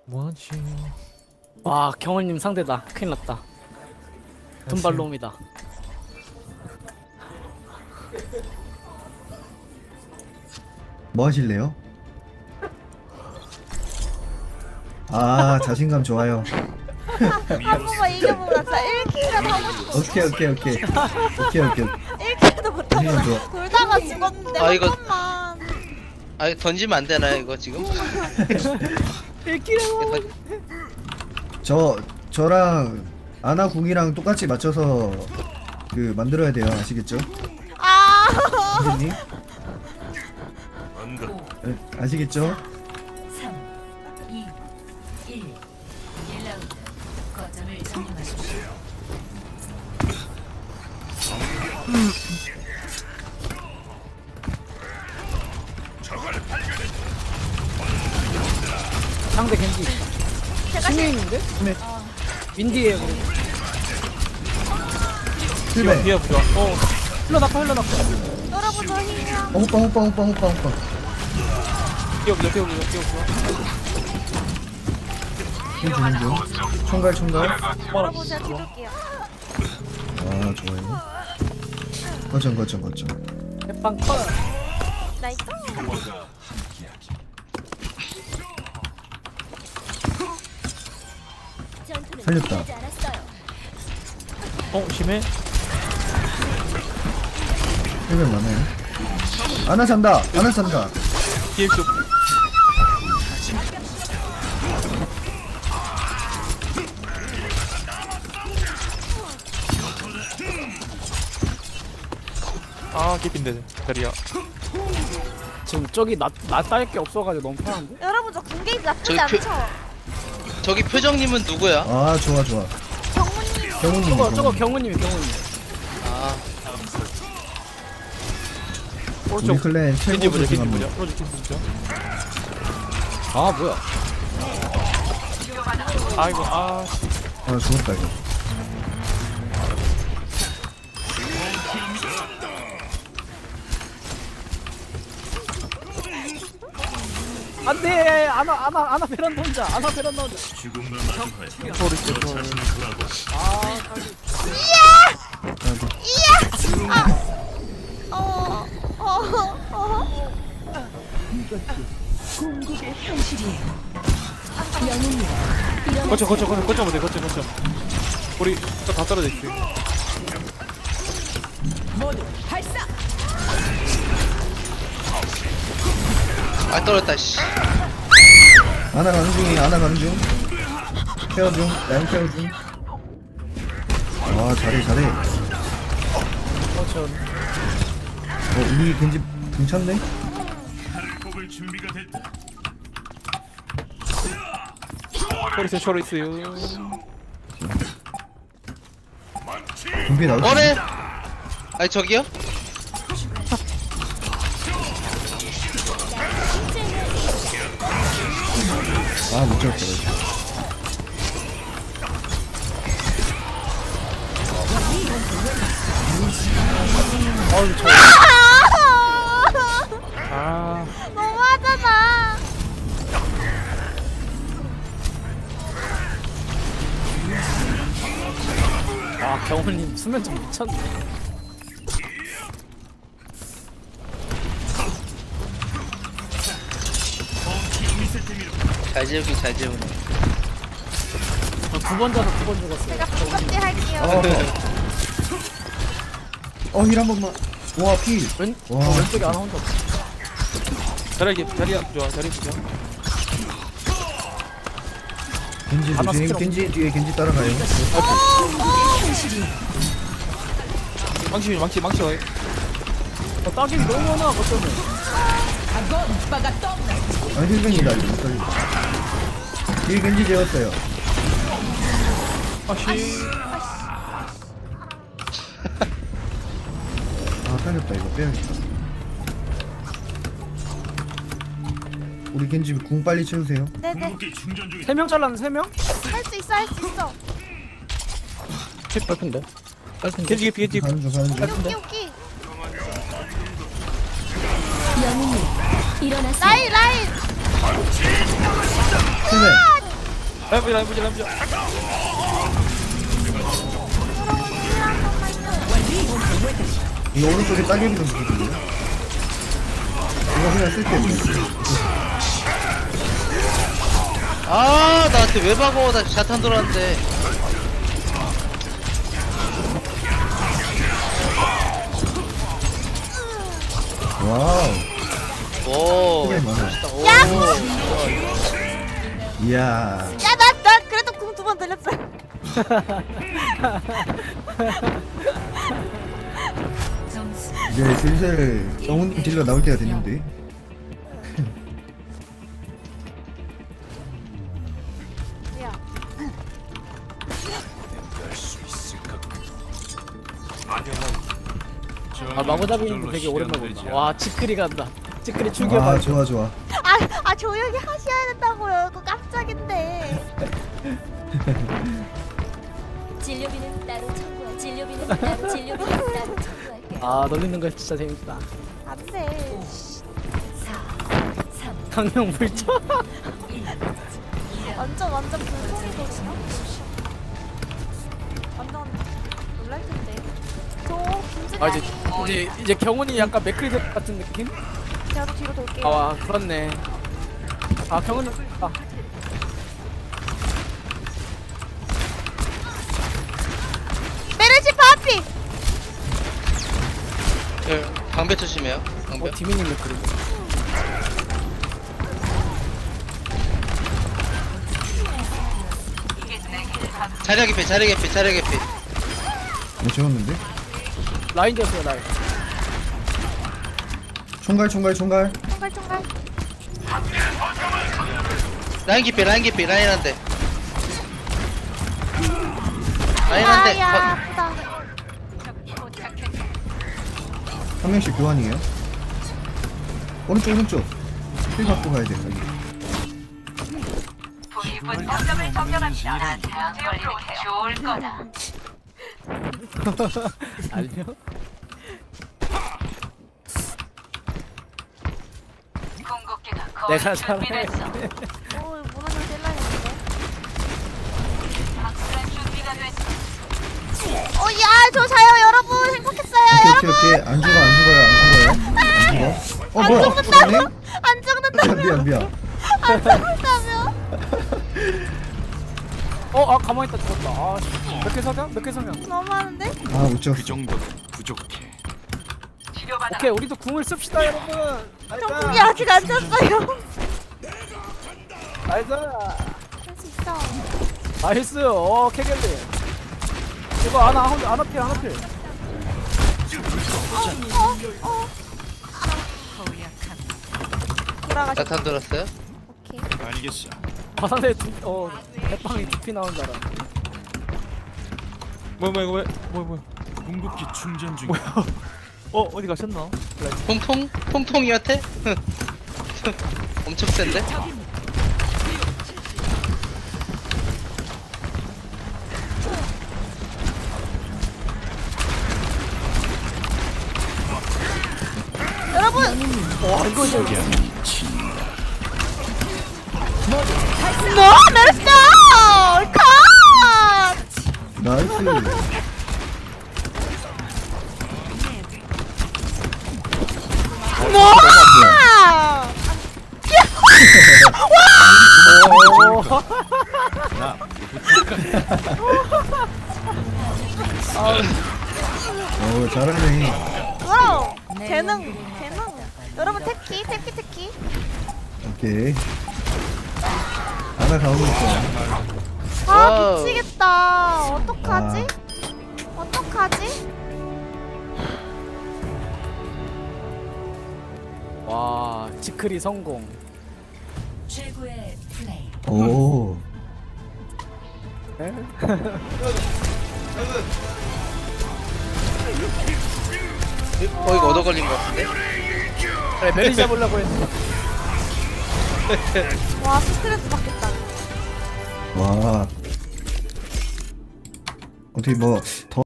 뭐지? 와 경원님 상대다. 큰일 났다. 돈발놈이다. 뭐 하실래요? 아 자신감 좋아요. 한 번만 이겨보자. 진짜 1킬이라도 하고 싶어. 오케이 1킬도 못하고 자신감 좋아. 돌다가 죽었는데 아, 한 이거- 번만. 아 던지면 안 되나요 이거 지금? 1킬은 저랑 아나 궁이랑 똑같이 맞춰서 그 만들어야 돼요. 아시겠죠? 아. 선생님? 아시겠죠? 3, 2, 1. 1라운드. 거점을 점령하십시오. 상대 겐지. 제가 신유인인데? 네. 윈디에요. 그리고. 실패. 뒤에 보자. 흘러나가. 여러분 저 힘이야. 호빵. 뛰어보자. 힘 주는 중. 총갈. 여러분 제가 뒤줄게요. 아 좋아요. 거점. 해빵 컷. 나이스. 살렸다. 심해? 힐면 많아요. 아나 산다. 뒤에 좀. 아, 깊인데, 자리야. 지금 저기 나 딸 게 없어가지고 너무 편한데? 여러분 저 군게이지 나쁘지 저기 않죠? 저기 표정님은 누구야? 아 좋아. 정훈님. 경훈님. 저거 경우님이 경우님. 아 우리 오른쪽. 클랜 겐지 최고 보자, 겐지 조심합니다. 보자. 오른쪽 겐지 보자. 아 뭐야? 아이고, 아 죽었다 이거. 안돼. 아나 베란다 혼자. 아나 베란다 혼자. 소리 쳐. 어. 어. 거쳐 보자, 거쳐. 우리 다 떨어져 있어. 아 떨어졌다 씨. 아나 가는 중. 케어 중. 라인 케어 중. 아 잘해. 그렇죠. 우리 겐지 괜찮네. 소리 있어요. 준비 나올 수 뭐래? 있네. 아니 저기요? 아못 잡았다 이거. 아, 너무하잖아. 아 경우님 수면 좀 미쳤네. 잘 재우네. 저 2번 자서 2번 죽었어요. 제가 똑같이 할게요. 힐 한 번만. 와 필. 와, 왼쪽에 아나 혼자 없어. 자리야 좋아, 자리 보자. 겐지 아나 조심. 스킬 겐지 뒤에 겐지 따라가요. 망치 와. 딱이 너무 많아 거점에. 아 힐벤이다 이거 못 살린다. 뒤에 겐지 재웠어요. 아 살렸다 이거 빼야겠다. 우리 겐지 궁 빨리 채우세요. 네네. 3명 잘랐는 3명? 할 수 있어. 빨픈데. 겐지 겐지. 가는 중. 오키. 영웅님 일어나세요. 라인. 힐벤. 라인 보자. 이 오른쪽에 따개비 좀 보거든요. 이거 그냥 쓸게요. 아 나한테 왜 박어? 나 자탄 돌았는데. 와우. 오. 크게 많아. 오. 이야. 야, 나 그래도 궁 두 번 들렸어. 점수 이제 슬슬 정훈님 딜러 나올 때가 됐는데. 야, 아 마구잡이님도 되게 오랜만에 본다. 와 치크리 간다. 치크리 출격. 아 좋아 좋아. 조용히 하셔야 된다고요. 그거 깜짝인데. 진료비는 따로 청구할 진료비는 따로 청구할게. 아 놀리는 거 진짜 재밌다. 안 돼. 4 3 강령 불쳐. 1 완전 불통이거든요. 완전 놀랄 텐데. 저 김진아. 아 이제 경훈이 약간 맥크리 같은 느낌? 저도 뒤로 돌게요. 아 그렇네. 아 경훈이 아 메르시 파피. 예, 방배 조심해요. 방배. 디미님 맥크리. 자리야 개피. 못 채웠는데? 라인 졌어요 라인. 총갈. 총갈. 라인 개피. 라인 한 대. 라인 한 대. 아야, 아프다. 한 명씩 교환이에요. 오른쪽. 힐 받고 가야 돼. 여기. 알려? 내가 잘해. 무너져 찔러야겠는데. 야, 저 자요, 여러분. 행복했어요, 오케이. 안 죽어요. 뭐야? 죽는다고? 죽었네? 안 죽는다며. 미안. 안 죽는다며. 아 가만히 있다 죽었다. 아 씨. 몇 개 석양? 너무하는데? 아, 못 찍었어. 오케이 우리도 궁을 씁시다 여러분. 저 궁이 아직 안 찼어요. 나이스. 할 수 있어. 나이스. 캐겔리. 이거 하나 필. 돌아가시. 자탄 돌았어요? 오케이. 바산에 대빵이 두피 나온 줄 알아. 뭐야 이거 뭐야. 궁극기 충전 중. 어디 가셨나? 통통이한테? 엄청 센데? 여러분. 이거 너 메르시 컷. 나이스. 오, 잘하네. 와우. 재능. 여러분 태키. 오케이. 하나 가고 있어. 아, 미치겠다. 어떡하지? 와 치크리 성공. 최고의 플레이. 오. 이거 얻어 걸린 것 같은데? 그래 메리 잡으려고 했는데. 와, 스트레스 받겠다. 와. 어떻게 뭐 더